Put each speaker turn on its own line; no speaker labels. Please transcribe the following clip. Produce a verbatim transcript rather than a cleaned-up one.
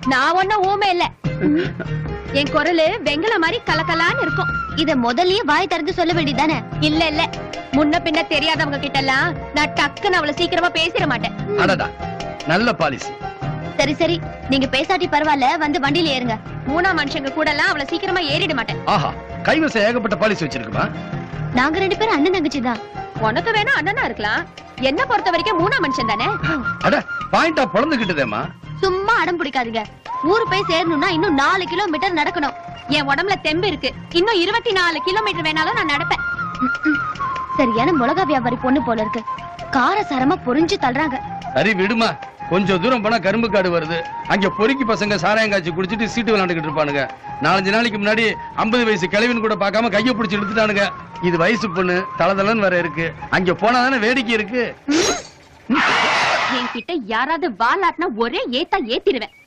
நான் ஒன்னும் ஊமை இல்ல. என் குரலு வெங்கல மாதிரி கலக்கலான்னு இருக்கும். இத முதல்லயே வாய் திறந்து சொல்ல வேண்டியதானே? இல்ல இல்ல, முன்ன பின்ன தெரியாதவங்க கிட்ட எல்லாம் நான் டக்குன்னு அவளை சீக்கிரமா பேசிட மாட்டேன்.
அடடா, நல்ல பாலிசி.
சரி சரி, நீங்க பேசாட்டி பரவாயில்ல, வந்து வண்டியில ஏறுங்க. மூணா மனுஷங்க கூட எல்லாம் அவளை சீக்கிரமா ஏறிட மாட்டேன்.
ஆஹா, கைவசம் ஏகப்பட்ட பாலிசி வச்சிருக்குமா?
நாங்க ரெண்டு பேரும் அண்ணன் தங்கச்சி தான். உனக்கு வேணா அண்ணனா இருக்கலாம், என்ன பொறுத்த வரைக்கும் மூணா மனுஷன் தானே.
அட, பாயிண்டா பொழந்துகிட்டதேமா.
சும்மா அடம் பிடிக்காதீங்க. ஊரு போய் சேரணும்னா இன்னும் நாலு கிலோமீட்டர் நடக்கணும். என் உடம்புல தெம்பு இருக்கு, இன்னும் இருபத்தி நாலு கிலோமீட்டர் வேணாலும் நான் நடப்பேன். சரியான மிளகா வியாபாரி பொண்ணு போல இருக்கு, காரசாரமா பொறிஞ்சு தள்ளுறாங்க.
சரி விடுமா, கொஞ்சம் தூரம் போனா கரும்பு காடு வருது, அங்க பொறுக்கி பசங்க சாராயம் காய்ச்சி குடிச்சிட்டு சீட்டு விளையாண்டுகிட்டு இருப்பானுங்க. நாலஞ்சு நாளைக்கு முன்னாடி ஐம்பது வயசு கிழவின்னு கூட பார்க்காம கைய பிடிச்சி எடுத்துட்டானுங்க. இது வயசு பொண்ணு, தளதளன்னு வர இருக்கு, அங்க போனாதானே வேடிக்கை இருக்கு.
என்கிட்ட யாராவது வாலாட்டினா ஒரே ஏத்தா ஏத்திடுவேன்.